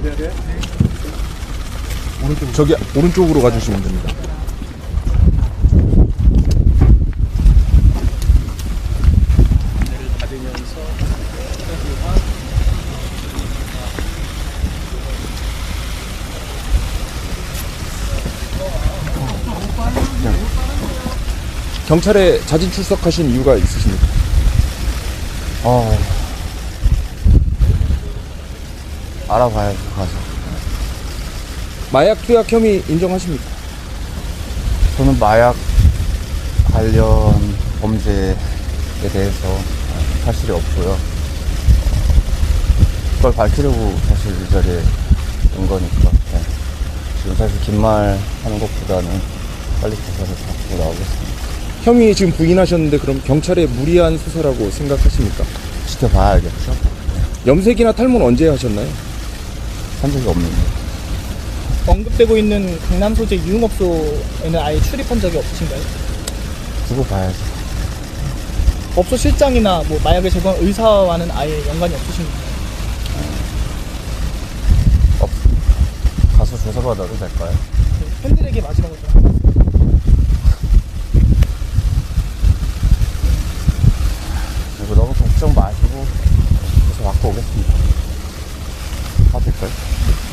저기 오른쪽으로 가주시면 됩니다. 경찰에 자진 출석하신 이유가 있으십니까? 알아봐야죠, 가서. 마약 투약 혐의 인정하십니까? 저는 마약 관련 범죄에 대해서 사실이 없고요. 그걸 밝히려고 사실 이 자리에 온 거니까. 네. 지금 사실 긴 말 하는 것보다는 빨리 조사를 받고 나오겠습니다. 혐의 지금 부인하셨는데 그럼 경찰의 무리한 수사라고 생각하십니까? 지켜봐야겠죠. 염색이나 탈모는 언제 하셨나요? 한 적이 없는데. 언급되고 있는 강남 소재 유흥업소에는 아예 출입한 적이 없으신가요? 두고 봐야죠. 업소 실장이나 뭐 마약을 제공한 의사와는 아예 연관이 없으신가요? 없습니다. 가서 조사받아도 될까요? 팬들에게 마지막으로 좀 한 말씀. 그리고 너무 걱정 마시고 조사 받고 오겠습니다. 받을까요?